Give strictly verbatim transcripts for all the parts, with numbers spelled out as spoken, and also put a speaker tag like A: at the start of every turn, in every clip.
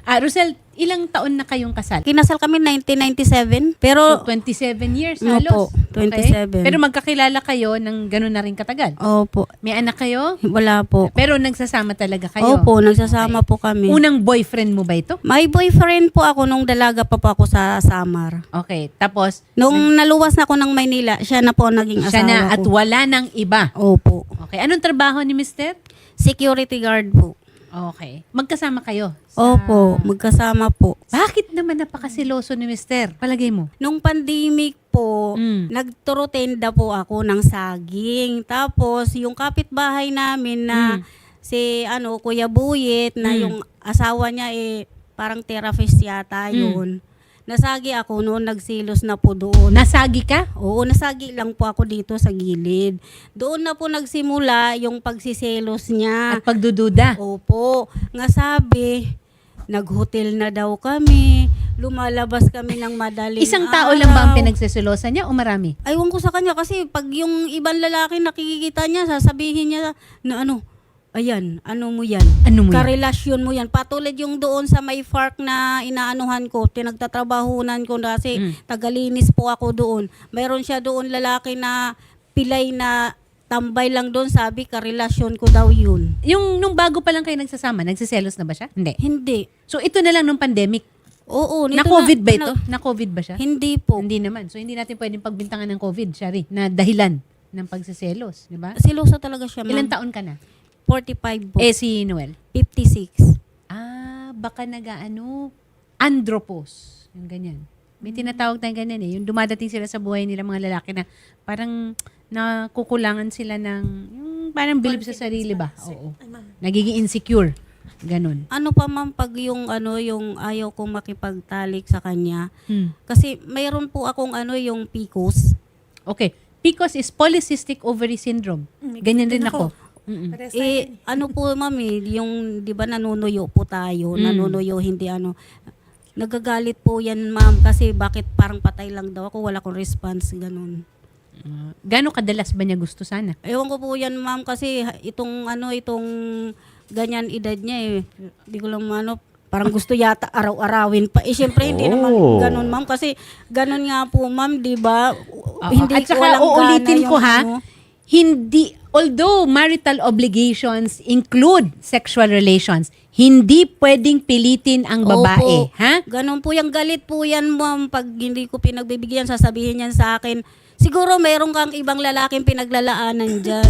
A: Ah, Rosel, ilang taon na kayong kasal?
B: Kinasal kami nineteen ninety-seven, pero
A: So, twenty-seven years
B: Opo,
A: halos.
B: twenty-seven.
A: Okay? Pero magkakilala kayo ng gano'n na rin katagal?
B: opo,
A: May anak kayo?
B: wala po.
A: Pero nagsasama talaga kayo?
B: Opo, nagsasama po kami.
A: Unang boyfriend mo ba ito?
B: May boyfriend po ako nung dalaga pa po ako sa Samar.
A: Okay, tapos
B: Nung naluwas na ako ng Maynila, siya na po ang naging
A: siya
B: asawa
A: na
B: ko.
A: at wala nang iba.
B: Opo.
A: Okay, anong trabaho ni mister?
B: Security guard po.
A: Okay, magkasama kayo?
B: Opo, magkasama po.
A: Bakit naman napakasiloso ni mister? Palagay mo?
B: Nung pandemic po,
A: Mm.
B: nagturotenda po ako ng saging. Tapos, yung kapitbahay namin na
A: Mm.
B: si ano Kuya Buyet, na
A: Mm.
B: yung asawa niya eh, parang therapist yata
A: Mm.
B: yun. Nasagi ako noon, nagsilos na po doon.
A: Nasagi ka?
B: Oo, nasagi lang po ako dito sa gilid. Doon na po nagsimula yung pagsiselos niya.
A: At pagdududa?
B: Opo, nga sabi, nag-hotel na daw kami, lumalabas kami ng madaling
A: Isang tao lang ba ang
B: araw.
A: pinagseselosan niya o marami?
B: Aywan ko sa kanya kasi pag yung ibang lalaki nakikita niya, sasabihin niya na ano, ayan, ano mo yan?
A: Ano mo yan?
B: Karelasyon mo yan. Patulad yung doon sa may park na inaanuhan ko, tinagtatrabahunan ko kasi
A: Mm.
B: tagalinis po ako doon. Mayroon siya doon lalaki na pilay na tambay lang doon, sabi karelasyon ko daw yun.
A: Yung nung bago pa lang kayo nagsasama, nagsiselos na ba siya? Hindi.
B: Hindi.
A: So ito na lang nung pandemic.
B: Oo. nito
A: Na-COVID
B: na-
A: ba
B: na-
A: ito? Na-COVID ba siya?
B: Hindi po.
A: Hindi naman. So hindi natin pwedeng pagbintangan ng COVID, Shari, na dahilan ng pagsiselos, di ba?
B: Siloso talaga siya,
A: Ilang
B: ma'am.
A: taon ka na?
B: forty-five po.
A: Eh si Noel?
B: fifty-six.
A: Ah, baka nag-ano, andropause. Yung ganyan. May tinatawag tayong ganyan eh. Yung dumadating sila sa buhay nila mga lalaki na parang nakukulangan sila ng, yung parang believe sa sarili ba? Oo. Nagiging insecure. Ganon.
B: Ano pa ma'am pag yung ano yung ayaw kong makipagtalik sa kanya?
A: Hmm.
B: Kasi mayroon po akong ano yung P C O S.
A: Okay. P C O S is polycystic ovary syndrome. Ganyan din ako. Mm-mm.
B: Eh ano po ma'am eh, yung 'di ba nanunuyo po tayo,
A: Mm.
B: nanunuyo hindi ano. Nagagalit po yan ma'am kasi bakit parang patay lang daw ako, wala akong response ganun.
A: Uh, Gano'ng kadalas ba niya gusto sana?
B: Ewan ko po yan ma'am kasi ha- itong ano itong ganyan edad niya eh. Hindi ko lang ano parang gusto yata araw-arawin pa. Eh syempre hindi naman
C: Oh.
B: ganun ma'am kasi ganun nga po ma'am, 'di ba?
A: Oo.
B: Hindi
A: At
B: ko
A: saka
B: walang
A: uulitin
B: gana
A: ko
B: yung
A: ha,
B: ano.
A: hindi, although marital obligations include sexual relations, hindi pwedeng pilitin ang babae.
B: Opo.
A: Ha?
B: Ganun po yung galit po yan ma'am pag hindi ko pinagbibigyan, sasabihin yan sa akin. Siguro meron kang ibang lalaking pinaglalaanan dyan.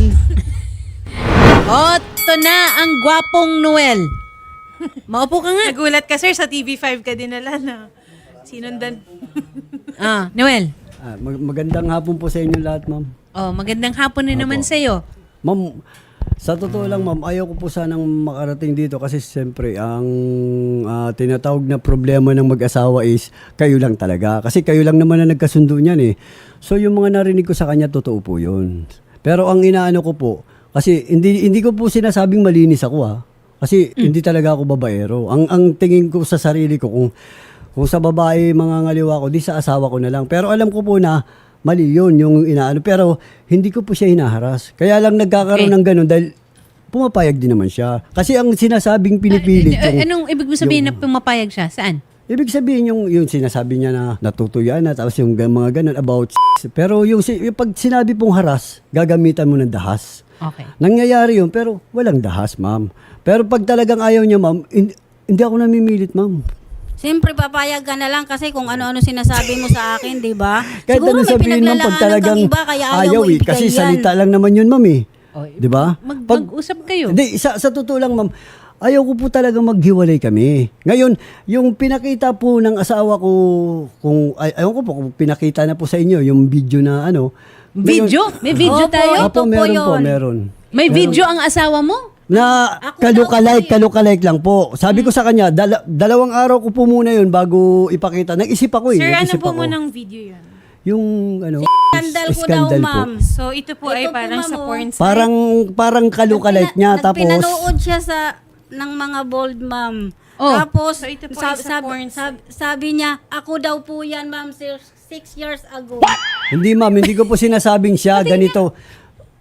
A: O, ito na ang gwapong Noel. Maupo ka nga.
D: Nagulat ka, sir, sa T V five ka dinala na. Sinundan.
A: Ah, Noel.
C: Ah, mag- magandang hapon po sa inyo lahat, ma'am.
A: Oh, magandang hapon na naman sa'yo.
C: Ma'am, sa totoo lang, ma'am, ayaw ko po sanang makarating dito kasi siyempre ang ah, tinatawag na problema ng mag-asawa is kayo lang talaga. Kasi kayo lang naman na nagkasundo niyan eh. So yung mga narinig ko sa kanya, totoo po yun. Pero ang inaano ko po, kasi hindi hindi ko po sinasabing malinis ako ha. Kasi hindi talaga ako babaero. Ang ang tingin ko sa sarili ko, kung kung sa babae mga ngaliwa ko, di sa asawa ko na lang. Pero alam ko po na mali yun, yung inaano. Pero hindi ko po siya hinaharas. Kaya lang nagkakaroon
A: Okay.
C: ng ganun dahil pumapayag din naman siya. Kasi ang sinasabing pinipilit
A: Ah,
C: yung...
A: anong ibig mo sabihin
C: yung-
A: na pumapayag siya? Saan?
C: Ibig sabihin yung, yung sinasabi niya na natutuyan na, tapos yung ga- mga ganun about s***. Pero yung, si- yung pag sinabi pong haras, gagamitan mo ng dahas.
A: Okay.
C: Nangyayari yun, pero walang dahas, ma'am. Pero pag talagang ayaw niya, ma'am, hindi, hindi ako namimilit, ma'am.
B: Siyempre papayag ka na lang kasi kung ano-ano sinasabi mo sa akin, 'di ba?
C: Kahit
B: Siguro
C: ano
B: may
C: sabihin, ma'am, pag
B: pinaglalaanan
C: talagang
B: kang iba kaya ayaw,
C: ayaw
B: mo
C: eh.
B: ibigay
C: Kasi
B: yan.
C: salita lang naman yun, ma'am eh.
A: Oh,
C: Di ba?
A: Mag,
C: Pag-
A: mag-usap kayo.
C: Hindi, sa, sa totoo lang, ma'am, ayaw ko po talaga maghiwalay kami. Ngayon, yung pinakita po ng asawa ko, kung, ay, ayaw ko po, kung pinakita na po sa inyo, yung video na ano.
A: Video? May video
B: Opo,
A: tayo?
B: ito
C: Opo,
B: po
C: meron po,
B: yun.
C: meron.
A: May video ang asawa mo?
C: Na
B: Ako
C: kalukalike,
B: daw po
C: kalukalike lang po. Sabi ko sa kanya, dala- dalawang araw ko po muna yun bago ipakita. Nag-isip ako eh.
D: Sir, ano
C: nag-isip
D: po
C: ako.
D: mo ng video yan?
C: Yung ano,
B: Skandal ko daw,
C: skandal po.
B: ma'am.
D: So, ito po ay
B: Ito po,
D: parang
B: ma'am,
D: sa
B: oh.
D: porn site.
C: Parang, parang kalukalike niya. Tapos,
B: Nagpinanood siya sa ng mga bold ma'am.
A: Oh.
B: Tapos
D: So, ito po
B: sab-
D: ay sa
B: sab-
D: porn
B: sab- sabi niya, ako daw po yan ma'am sir, six years ago.
C: hindi ma'am, hindi ko po sinasabing siya, ganito.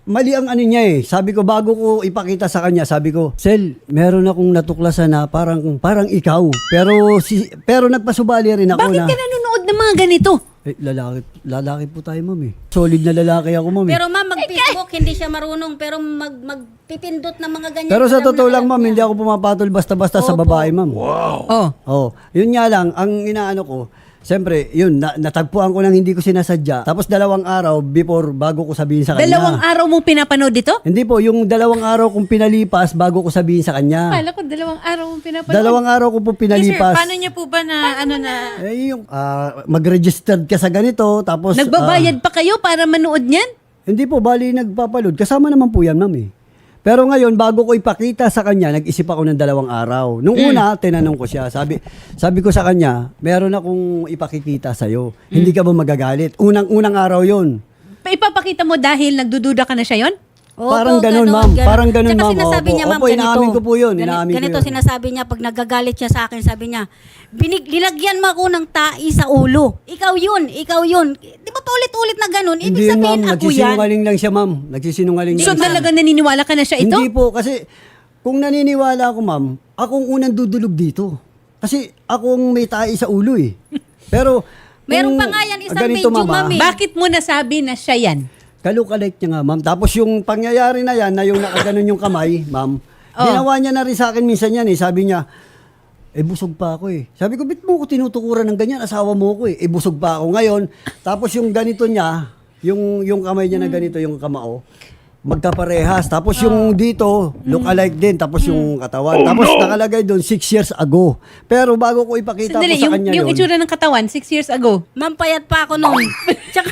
C: mali ang ano niya eh. Sabi ko, bago ko ipakita sa kanya, sabi ko, Sel, meron akong natuklasan na parang parang ikaw. Pero si pero nagpasubali rin ako
A: Bakit
C: na,
A: ka nanonood ng mga ganito?
C: eh, lalaki, lalaki po tayo, ma'am eh. Solid na lalaki ako, ma'am eh.
B: Pero ma'am, mag-Facebook, hindi siya marunong. Pero mag, magpipindot ng mga ganyan.
C: Pero sa
B: alam
C: totoo
B: na
C: lang,
B: alam
C: ma'am,
B: niya.
C: hindi ako pumapatol basta-basta sa
B: Opo.
C: babae, ma'am.
A: Oh.
C: Oh, yun nga lang, ang inaano ko, siyempre, yun, na, natagpuan ko nang hindi ko sinasadya. Tapos dalawang araw before, bago ko sabihin sa kanya.
A: Dalawang araw mong pinapanood ito?
C: Hindi po, yung dalawang araw kong pinalipas bago ko sabihin sa kanya.
A: Kala ko dalawang araw mong pinapanood.
C: Dalawang araw ko po
D: Eh, sir,
C: pinalipas.
D: paano niya po ba na, ano na,
C: Eh, yung ah, mag-registered ka sa ganito, tapos...
A: Nagbabayad pa kayo para manood niyan?
C: ah, hindi po, bali nagpapaload. Kasama naman po yan, ma'am eh. Pero ngayon, bago ko ipakita sa kanya, nag-isip ako ng dalawang araw. Nung una, tinanong ko siya. Sabi sabi ko sa kanya, meron akong ipakikita sa'yo. Hindi ka ba magagalit? Unang-unang araw yon.
A: Pa- Ipapakita mo dahil nagdududa ka na siya yon?
B: Opo,
C: Parang ganun, ma'am. Parang ganun,
B: Tsaka
C: ma'am.
B: sinasabi
C: Opo.
B: niya, ma'am,
C: Opo,
B: ganito.
C: inaamin ko po yun.
B: Gani-
C: Inaamin ko
B: ganito
C: yun.
B: sinasabi niya, pag nagagalit siya sa akin, sabi niya, binig, nilagyan mo ako ng tai sa ulo. Ikaw yun, ikaw yun. Di ba ulit-ulit na ganun? Ibig
C: Hindi, ma'am.
B: sabihin, ako yan.
C: Nagsisinungaling lang siya, ma'am. Nagsisinungaling
A: So
C: lang siya.
A: talaga naniniwala ka na siya ito?
C: Hindi po, kasi kung naniniwala ako, ma'am, akong unang dudulog dito. Kasi akong may tae sa ulo eh. Pero,
B: Meron
C: kung
B: pa nga yan, isang
C: ganito,
B: medyo,
C: ma'am, ah,
B: ma'am, eh.
A: Bakit mo nasabi na siya yan?
C: Kalukalike niya nga, ma'am. Tapos yung pangyayari na yan, na yung nakaganon yung kamay, ma'am,
A: Oh.
C: ginawa niya na rin sa akin minsan yan eh. Sabi niya, eh busog pa ako eh. Sabi ko, bit mo ko tinutukuran ng ganyan? Asawa mo ko eh. Eh busog pa ako ngayon. Tapos yung ganito niya, yung, yung kamay niya na ganito, yung kamao, magkaparehas. Tapos yung dito, look alike din. Tapos yung katawan. Tapos nakalagay doon, six years ago. Pero bago ko ipakita
A: Sandali,
C: po sa
A: yung,
C: kanya
A: yung
C: yun,
A: itsura ng katawan, six years ago.
B: Ma'am, payat pa ako noon. Tsaka,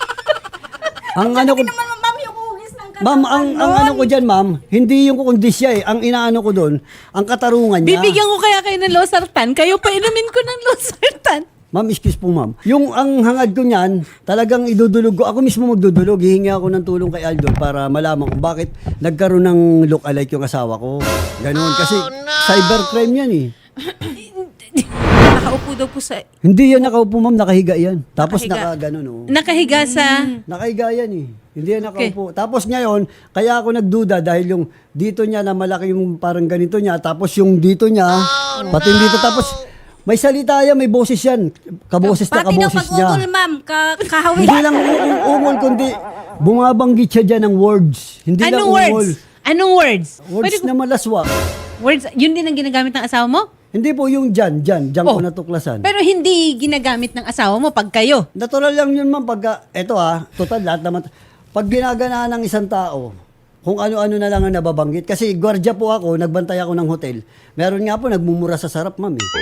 C: ang ano ko,
B: naman, ma'am, yung hugis ng katawan
C: ma'am, ang, ang
B: nun.
C: ano ko dyan, ma'am, hindi yung kukundisya eh. Ang inaano ko doon, ang katarungan niya.
A: Bibigyan ko kaya kayo ng losartan. Kayo pa inumin ko ng losartan.
C: Ma'am, excuse po, ma'am. Yung ang hangad ko niyan, talagang idudulog ko. Ako mismo magdudulog. Hihingi ako ng tulong kay Aldol para malaman kung bakit nagkaroon ng look-alike yung asawa ko. Ganun. Kasi cybercrime yan eh.
D: nakaupo daw po sa,
C: Hindi yan nakaupo, ma'am. Nakahiga yan. Tapos
D: Nakahiga.
C: naka ganun, oh.
A: Nakahiga sa...
C: Nakahiga yan eh. Hindi yan nakaupo. Tapos ngayon, kaya ako nagduda dahil yung dito niya na malaki yung parang ganito niya. Tapos yung dito niya, pati yung dito. Tapos may salita yan, may boses yan. Kaboses na
B: Pati daw
C: kaboses niya.
B: pag-ungol, ma'am, ka, kahawig.
C: Hindi lang ung- ungol, kundi bumabanggit siya dyan ng words. Hindi lang
A: Anong
C: ungol.
A: words? Anong words?
C: Words
A: Pwede ko-
C: na malaswa.
A: words, yun din ang ginagamit ng asawa mo?
C: Hindi po yung dyan, dyan, dyan
A: Oh.
C: ko natuklasan.
A: Pero hindi ginagamit ng asawa mo pag kayo.
C: Natural lang yun, ma'am, pagka, eto ah, total lahat naman, pag ginaganaan ng isang tao, kung ano-ano na lang ang nababanggit. Kasi gwardiya po ako, nagbantay ako ng hotel. Meron nga po, nagmumura sa sarap, ma'am eh.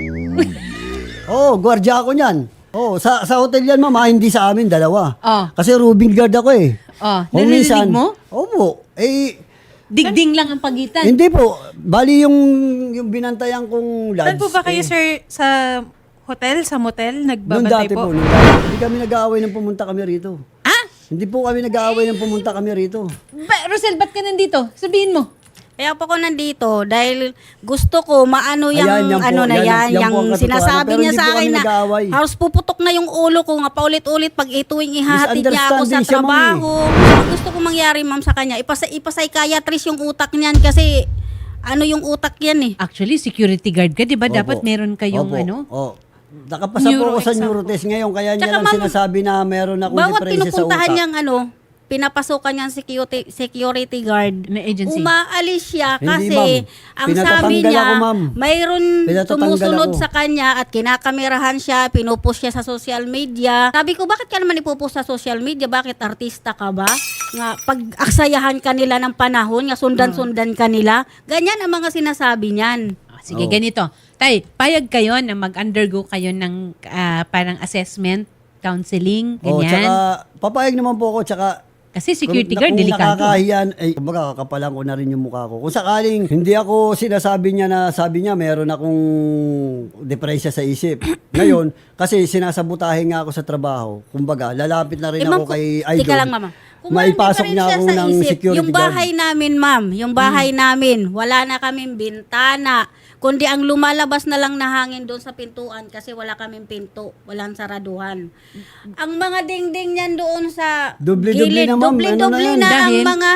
C: Oo, oh, gwardiya ako niyan. Oo, oh, sa, sa hotel yan, ma'am, ah, hindi sa amin, dalawa.
A: Oh.
C: Kasi rooming guard ako eh.
A: Oh,
C: Kung
A: narinig
C: minsan-
A: mo?
C: Opo. Eh,
A: Digding lang ang pagitan.
C: hindi po. Bali yung, yung binantayan kong lads.
D: saan po ba kayo,
C: eh,
D: sir, sa hotel, sa motel,
C: Noong
D: nagbabantay
C: dati po,
D: po?
C: nung dati. Hindi kami nag-aaway nang pumunta kami rito.
A: Ah?
C: Hindi po kami nag-aaway nang pumunta kami rito.
A: Ba, Rosel, ba't ka nandito? Sabihin mo.
B: Kaya po ko nandito dahil gusto ko maano yung
C: Ayan, yan po,
B: ano na
C: yan,
B: yan,
C: yan po ang
B: yung
C: katotohanan.
B: sinasabi
C: Pero
B: niya
C: hindi
B: sa
C: po
B: akin
C: kami
B: na
C: nag-aaway.
B: halos puputok na yung ulo ko nga paulit-ulit pag ituwing ihahatid niya ako sa
C: Misunderstanding siya, ma'am, eh.
B: trabaho. Ang gusto ko mangyari, ma'am, sa kanya, ipasa ipapsychiatrist yung utak niyan kasi ano yung utak yan eh.
A: Actually, security guard ka, di ba?
C: Opo.
A: Dapat meron kayong
C: Opo.
A: ano?
C: Oo. Nakapasa po ako sa
D: Neuro exam
C: neurotest ngayon, kaya niya
B: Tsaka,
C: lang
B: ma'am,
C: sinasabi na meron akong
B: Bawat
C: depresya sa
B: pinupuntahan
C: utak.
B: niyang ano, pinapasukan niyang security, security guard,
A: Na agency.
B: umaalis siya
C: Hindi,
B: kasi
C: ma'am.
B: ang sabi
C: Pinatatanggal
B: niya,
C: ako, ma'am.
B: mayroon
C: Pinatatanggal
B: sumusunod
C: ako.
B: sa kanya at kinakamerahan siya, pinupost siya sa social media. Sabi ko, bakit ka naman ipopost sa social media? Bakit artista ka ba? Nga, pag aksayahan ka nila ng panahon, nga sundan-sundan ka nila, ganyan ang mga sinasabi niyan.
A: Ah, sige,
C: Oo.
A: ganito. Tay, payag kayo na mag-undergo kayo ng ah, parang assessment, counseling,
C: Oh,
A: ganyan.
C: tsaka papayag naman po ako, tsaka
A: Kasi security
C: kung,
A: guard,
C: kung
A: delikado.
C: nakakahiyan, eh, kumbaga kakapalan ko na rin yung mukha ko. Kung sakaling hindi ako sinasabi niya na sabi niya meron akong depresya sa isip. Ngayon, kasi sinasabutahin nga ako sa trabaho. Kumbaga, lalapit na rin
B: Eh, ma'am,
C: ako kay
B: kung-
C: Idol.
B: Tika lang, mama. Kung
C: Maipasok
B: meron
C: niya
B: pa rin
C: ako
B: siya sa
C: ng
B: isip,
C: security
B: yung bahay namin, ma'am, yung bahay namin, wala na kaming bintana. kundi ang lumalabas na lang na hangin doon sa pintuan kasi wala kaming pinto, walang saraduhan. Ang mga dingding niyan doon sa
C: Dubli-dubli
B: gilid,
C: na, ma'am. Ano na
B: dubli-dubli
C: yan?
B: na, ang
A: Dahil?
B: mga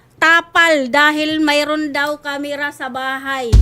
B: tapal dahil mayroon daw kamera sa bahay.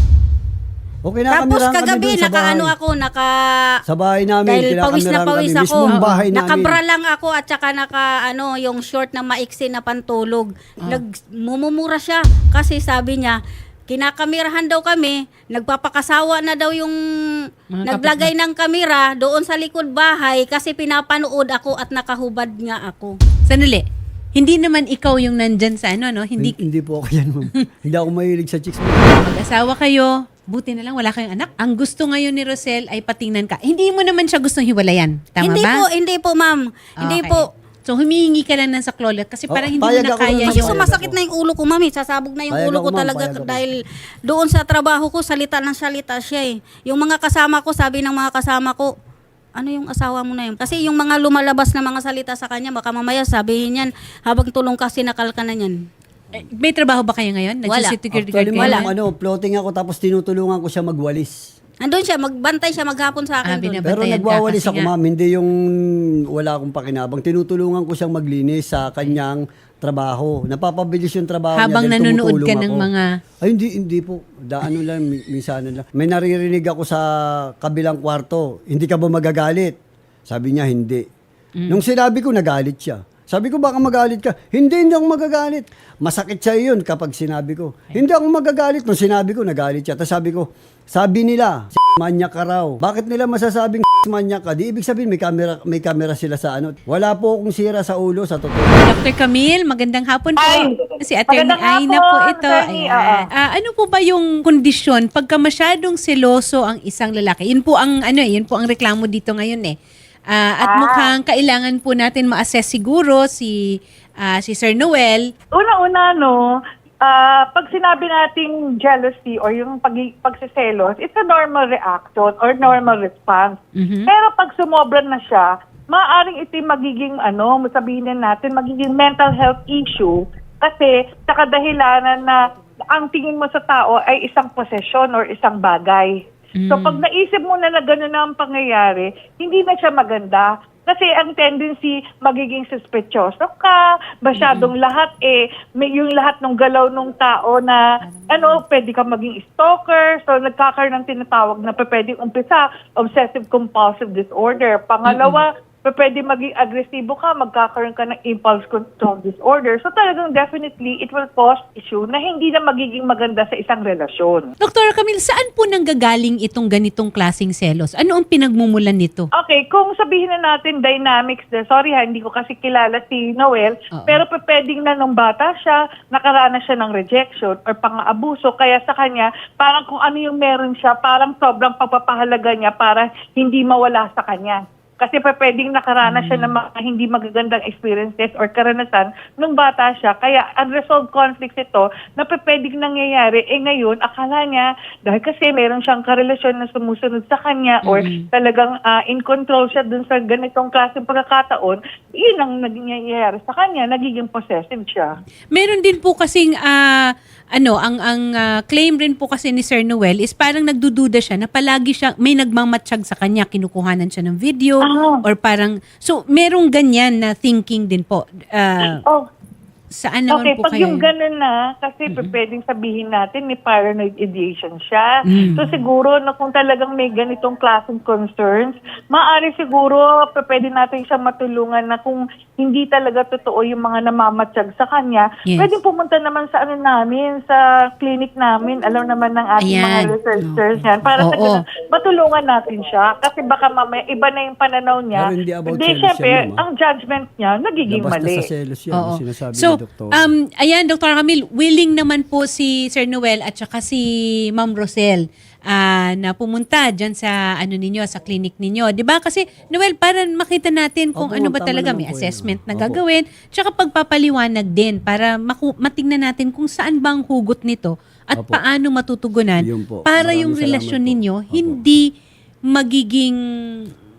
C: Okay na,
B: Tapos
C: kamerahan kami
B: kagabi,
C: dun sa
B: nakaano
C: bahay.
B: ako, naka...
C: Sa bahay namin,
B: Dahil pawis na
C: kinakamerahan
B: pawis
C: kami.
B: ako.
C: Mismong bahay namin.
B: Nakabra lang ako at saka naka ano, yung short na maiksi na pantulog. Nagmumumura siya kasi sabi niya, kinakamerahan daw kami, nagpapakasawa na daw yung
A: Mga
B: naglagay ng kamera doon sa likod bahay kasi pinapanood ako at nakahubad nga ako.
A: Sandali. Hindi naman ikaw yung nandyan sa ano, no? Hindi,
C: Hindi, hindi po ako yan, ma'am. Hindi ako mahilig sa chicks.
A: mag-asawa kayo, buti na lang wala kayong anak. Ang gusto ngayon ni Rosel ay patingnan ka. Hindi mo naman siya gustong hiwalayan. Tama
B: hindi
A: ba?
B: po, hindi po ma'am. Hindi
A: Okay.
B: po.
A: So humihingi ka lang ng saklolet kasi
C: Oh,
A: parang hindi mo
C: payag
A: na
C: ako
A: kaya
C: nun,
B: Kasi
C: Payag
A: yung...
B: sumasakit
C: ako.
B: na yung ulo ko, mami. Sasabog na yung
C: Payag
B: ulo
C: ako,
B: ko
C: ma'am,
B: talaga
C: payag ako.
B: dahil doon sa trabaho ko, salita ng salita siya eh. Yung mga kasama ko, sabi ng mga kasama ko, ano yung asawa mo na yun? Kasi yung mga lumalabas na mga salita sa kanya, baka mamaya sabihin yan, habang tulong ka, sinakal ka na yan.
A: Eh, May trabaho ba kayo ngayon?
B: Wala.
A: Nagsusecurity guard
C: Actually,
A: kayo?
C: ma'am, ano, floating ako tapos tinutulungan ko siya magwalis.
B: Andun siya, magbantay siya maghapon sa
A: Ah,
B: akin doon.
A: binab-
C: Pero
A: Bantayan ka
C: nagwawalis
A: kasi
C: ako,
A: nga.
C: ma'am. Hindi yung wala akong pakinabang. Tinutulungan ko siyang maglinis sa kanyang trabaho. Napapabilis yung trabaho
A: Habang
C: niya. dahil
A: nanonood ka
C: tumutulong
A: ng
C: ako.
A: mga-
C: Ay, hindi, hindi po. Daano lang, mi- minsanan lang. May naririnig ako sa kabilang kwarto. Hindi ka ba magagalit? Sabi niya, hindi.
A: Mm.
C: Nung sinabi ko, nagalit siya. Sabi ko, baka magalit ka. Hindi, hindi ako magagalit. Masakit sa yun kapag sinabi ko. Hindi ako magagalit. Nung sinabi ko, nagalit siya. Tapos sabi ko, sabi nila, manyak ka raw. Bakit nila masasabing manyak ka? Di ibig sabihin, may camera, may camera sila sa ano. Wala po akong sira sa ulo, sa totoo.
A: Doctor Camille, magandang hapon po.
E: Ay,
A: Si Attorney
E: magandang
A: Aina
E: hapon,
A: po ito.
E: Attorney,
A: Ayan.
E: oo.
A: Ah, ano po ba yung kondisyon pagka masyadong seloso ang isang lalaki? Yun po ang ano, eh, yun po ang reklamo dito ngayon eh. Ah, at
E: Ah.
A: mukhang kailangan po natin ma-assess siguro si ah, si Sir Noel.
E: Una-una, no, ah, pag sinabi nating jealousy or yung pag pagsiselos, it's a normal reaction or normal response.
A: Mhm.
E: Pero pag sumobra na siya, maaaring ito yung magiging, ano, sabihin na natin, magiging mental health issue kasi sa kadahilanan na ang tingin mo sa tao ay isang posesyon or isang bagay. So pag naisip mo na na gano'n na ang pangyayari, hindi na siya maganda. Kasi ang tendency, magiging suspectyoso ka, masyadong lahat eh, may yung lahat ng galaw ng tao na, ano, pwede ka maging stalker, so nagkakaroon ng tinatawag na pwedeng umpisa, obsessive compulsive disorder. Pangalawa, pwede maging agresibo ka, magkakaroon ka ng impulse control disorder. So talagang definitely, it will cause issue na hindi na magiging maganda sa isang relasyon.
A: Doktor Camille, saan po nanggagaling itong ganitong klasing selos? Ano ang pinagmumulan nito?
E: Okay, kung sabihin na natin dynamics, de, sorry ha, hindi ko kasi kilala si Noel,
A: Oo.
E: pero pe- pwedeng na nung bata siya, nakaranas siya ng rejection or pang-abuso, kaya sa kanya, parang kung ano yung meron siya, parang sobrang pagpapahalaga niya para hindi mawala sa kanya. Kasi pa pwedeng nakaranas siya ng mga hindi magagandang experiences or karanasan nung bata siya. Kaya unresolved conflicts ito na pa pwedeng nangyayari. Eh ngayon, akala niya, dahil kasi meron siyang karelasyon na sumusunod sa kanya or talagang ah, in control siya dun sa ganitong klaseng pagkakataon, yun ang nangyayari sa kanya, nagiging possessive siya.
A: Meron din po kasing ah, ano, ang ang ah, claim rin po kasi ni Sir Noel is parang nagdududa siya na palagi siya may nagmamatsyag sa kanya, kinukuhanan siya ng video
E: Ah.
A: or parang so merong ganyan na thinking din po. Ah,
E: Oh,
A: saan naman
E: okay,
A: po
E: pag
A: kayo?
E: yung ganun na, kasi pwedeng sabihin natin may paranoid ideation siya.
A: Mm.
E: So siguro na kung talagang may ganitong klaseng concerns, maaari siguro p- pwede natin siya matulungan na kung hindi talaga totoo yung mga namamatsyag sa kanya,
A: Yes.
E: pwedeng pumunta naman sa ano namin, sa clinic namin, alam naman ng ating
A: Ayan.
E: mga researchers yan, para sa
A: Oo.
E: ganun, matulungan natin siya. Kasi baka mamaya iba na yung pananaw niya.
C: Pero hindi about
E: Hindi,
C: selos
E: syempre,
C: yan, ma'am, ah.
E: ang judgment niya, nagiging
C: Labas
E: mali.
C: na sa selos yan,
A: Oo.
C: yung sinasabi
A: So,
C: ni Doktor.
A: um, ayan, Doctor Camille, willing naman po si Sir Noel at saka si Ma'am Rosel ah, na pumunta dyan sa ano ninyo, sa clinic ninyo. 'Di ba? Kasi Noel, para makita natin kung
C: Opo,
A: ano ba
C: tama
A: talaga,
C: naman
A: may
C: po yun,
A: assessment na
C: ma'am. Opo.
A: gagawin, tsaka pagpapaliwanag din para maku- matingnan natin kung saan bang hugot nito at
C: Opo.
A: paano matutugunan
C: Yun po.
A: para
C: Maraming
A: yung
C: salamat
A: relasyon
C: po.
A: ninyo
C: Opo.
A: hindi magiging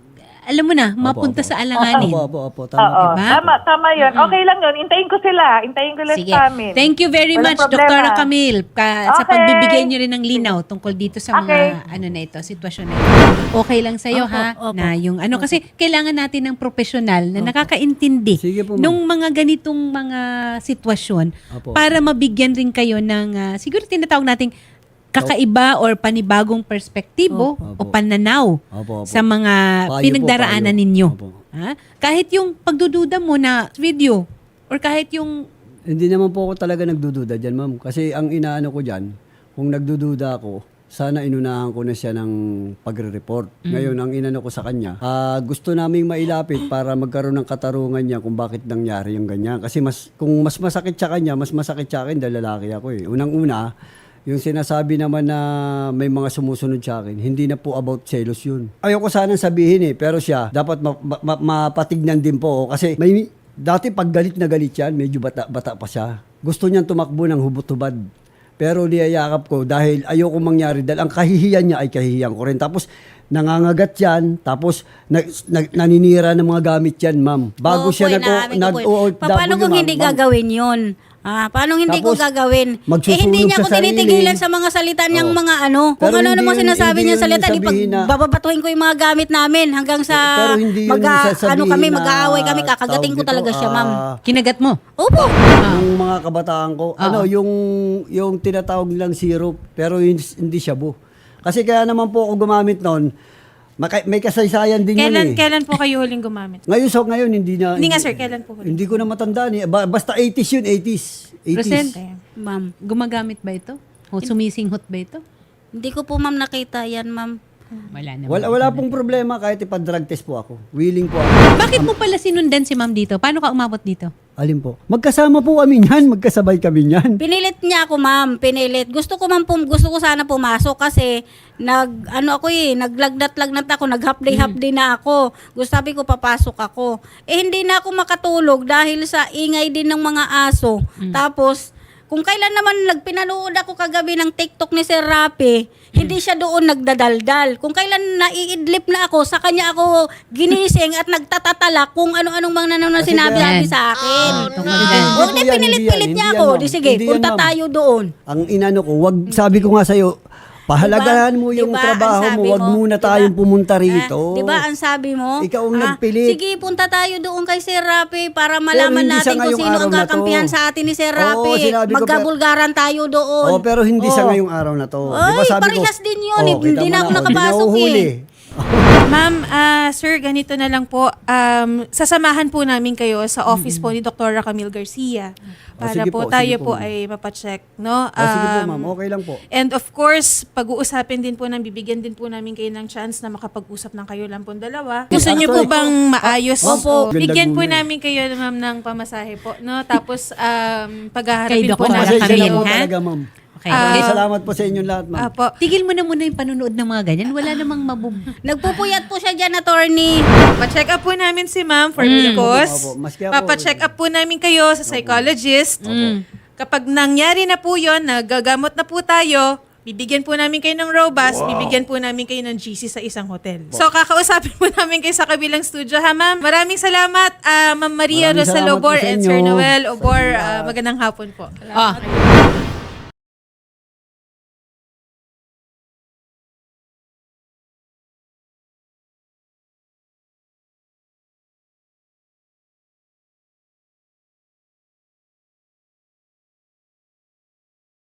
A: alam mo na, mapunta
C: opo.
A: sa alanganin.
C: Opo, opo, opo. Tama
E: Oo,
C: po.
A: Diba?
E: tama, tama yun. Okay lang yun. Intayin ko sila. Intayin ko lang
A: Sige.
E: sa amin.
A: Thank you very
E: Walang
A: much,
E: problema.
A: Doktora Camille, ka, sa
E: Okay.
A: pagbibigay niyo rin ng linaw tungkol dito sa mga
E: Okay.
A: ano na ito, sitwasyon na ito. Okay lang sa'yo,
B: Opo,
A: ha?
B: opo.
A: Na yung ano, kasi kailangan natin ng profesional na nakakaintindi
C: Sige po, ma'am.
A: nung mga ganitong mga sitwasyon
C: Opo.
A: para mabigyan rin kayo ng, ah, siguro tinatawag nating kakaiba or panibagong perspektibo o
C: Opo.
A: pananaw
C: Opo, opo.
A: sa mga
C: Payo po,
A: pinagdaraanan
C: payo.
A: ninyo.
C: Opo.
A: Ha? Kahit yung pagdududa mo na video or kahit yung
C: Hindi naman po ako talaga nagdududa dyan, ma'am. Kasi ang inaano ko dyan, kung nagdududa ako, sana inunahan ko na siya ng pagre-report. Ngayon, ang inano ko sa kanya, ah, gusto naming mailapit para magkaroon ng katarungan niya kung bakit nangyari yung ganyan. Kasi mas, kung mas masakit sa kanya, mas masakit sa akin dahil lalaki ako eh. Unang-una, yung sinasabi naman na may mga sumusunod sa akin, hindi na po about selos yun. Ayoko sanang sabihin eh, pero siya, dapat ma- ma- ma- mapatignan din po. Kasi may, dati pag galit na galit yan, medyo bata, bata pa siya. Gusto niyang tumakbo ng hubot-hubad. Pero niyayakap ko dahil ayoko mangyari dahil ang kahihiyan niya ay kahihiyan ko rin. Tapos nangangagat yan, tapos na, na, naninira ng mga gamit yan, ma'am. Bago
B: Oo
C: siya
B: po,
C: nag
B: inaamin ko
C: nag
B: po.
C: O O W,
B: Paano kung
C: ma'am,
B: hindi
C: ma'am.
B: gagawin yun? Ah, paano hindi ko
C: Tapos,
B: gagawin? Eh
C: magsusunog
B: hindi niya
C: sa
B: ako
C: sarili.
B: tinitigilan sa mga salita niyang
C: Oo.
B: mga ano. Kung
C: Pero
B: ano
C: hindi
B: namang
C: yun-
B: sinasabi
C: hindi
B: niya
C: yun
B: salita, di
C: sabihin na-
B: bababatuhin ko yung mga gamit namin hanggang sa
C: Pero hindi yun
B: mag
C: sasabihin
B: ano kami,
C: na
B: mag-aaway kami, kakagating ko
C: tawag
B: talaga
C: dito,
B: siya, ma'am.
C: ah,
A: kinagat mo.
B: Opo.
C: Yung mga kabataan ko, ano, yung yung tinatawag nilang syrup, pero yun- hindi shabu. Kasi kaya naman po ako gumamit noon, maka- may kasaysayan din
D: Kailan,
C: yun eh.
D: kailan po kayo huling gumamit?
C: Ngayon, so ngayon, hindi na...
D: Hindi nga, sir, kailan po huli?
C: Hindi ko na matandaan eh. Ba- basta eighties yun, eighties.
A: Present.
C: eighties.
B: Ma'am.
A: Gumagamit ba ito? O sumisinghot ba ito?
B: Hindi ko po ma'am nakita yan, ma'am.
A: Wala naman.
C: Wala, wala pong problema kahit ipa-drug test po ako. Willing po ako.
A: Bakit mo pala sinundan si ma'am dito? Paano ka umabot dito?
C: Alin po? Magkasama po kami niyan. Magkasabay kami niyan.
B: Pinilit niya ako, ma'am. Pinilit. Gusto ko ma'am, pum- gusto ko sana pumasok kasi nag ano ako eh, naglagdat-lagnat ako, nag-half day half day na ako. Gusto sabi ko papasok ako. Eh hindi na ako makatulog dahil sa ingay din ng mga aso. Tapos kung kailan naman nagpinanood ako kagabi ng TikTok ni Sir Rapi, hindi siya doon nagdadaldal. Kung kailan naiidlip na ako, sa kanya ako ginising at nagtatatalak kung ano-anong mga nanonood
C: Kasi
B: sinabi
C: kaya-
B: sa akin.
A: tungkol
B: Ah,
A: dyan.
B: Huwag na
C: Hindi po yan,
B: pinilit-pilit
C: hindi
B: niya
C: yan,
B: ako.
C: ma'am.
B: Di sige,
C: Hindi yan,
B: punta
C: ma'am.
B: tayo doon.
C: Ang inano ko, wag sabi ko nga sa'yo, pahalagahan mo yung
B: Diba?
C: trabaho
B: Ang
C: mo,
B: sabi
C: wag
B: mo,
C: muna
B: diba?
C: tayong pumunta rito.
B: Ah, di ba ang sabi mo?
C: Ikaw ang
B: Ah,
C: nagpilit.
B: Sige, punta tayo doon kay Sir Rapi para malaman
C: hindi
B: natin
C: sa
B: kung
C: ngayong
B: sino
C: araw
B: ang
C: na to.
B: kakampihan sa atin ni Sir
C: Oo,
B: Rapi.
C: sinabi ko,
B: Magkabulgaran tayo doon.
C: Oh, pero hindi sa
B: Oh.
C: ngayong araw na to.
B: Ay,
C: Di ba sabi ko,
B: parehas din yun.
C: oh,
B: Hindi
C: kita mo
B: na ako
C: oh,
B: nakapasok
C: di na uhuli.
B: eh.
D: Ma'am, ah, sir, ganito na lang po. Um, sasamahan po namin kayo sa office po ni Doktora Camille Garcia para
C: sige
D: po,
C: po,
D: tayo
C: sige
D: po
C: po, ma'am.
D: ay mapacheck, no?
C: Oh, sige po
D: Um,
C: ma'am, okay lang po.
D: And of course, pag-uusapin din po ng bibigyan din po namin kayo ng chance na makapag-usap ng kayo lang po dalawa. Gusto niyo po
C: Actually,
D: bang maayos?
C: Opo.
D: Bigyan po
C: Ganda
D: namin kayo, ma'am, ng pamasahe po, no? Tapos, um,
A: Kay
D: paghaharapin po
A: Doktora
D: namin
C: Pasensya na
A: Camille,
C: po
D: kayo.
A: ha?
C: talaga ma'am.
A: Okay.
D: Ah,
C: Okay, salamat po sa inyong lahat ma'am.
D: Apo.
A: Tigil mo na muna yung panunood ng mga ganyan. Wala namang mabub...
B: Nagpupuyat po siya dyan, attorney.
D: Pa-check up po namin si ma'am for
A: Mm.
D: because
C: Opo, opo. Maski ako-
D: papa-check up po namin kayo sa psychologist. Kapag nangyari na po yun, nagagamot na po tayo, bibigyan po namin kayo ng Robust, bibigyan po namin kayo ng G C sa isang hotel. So, kakausapin po namin kayo sa kabilang studio, ha, ma'am? Maraming salamat, ah, Ma'am Maria
C: Maraming
D: Rosa
C: salamat po
D: Lobor
C: sa
D: and
C: inyo.
D: Sir Noel Obor. Ah, magandang hapon po.
A: Ah.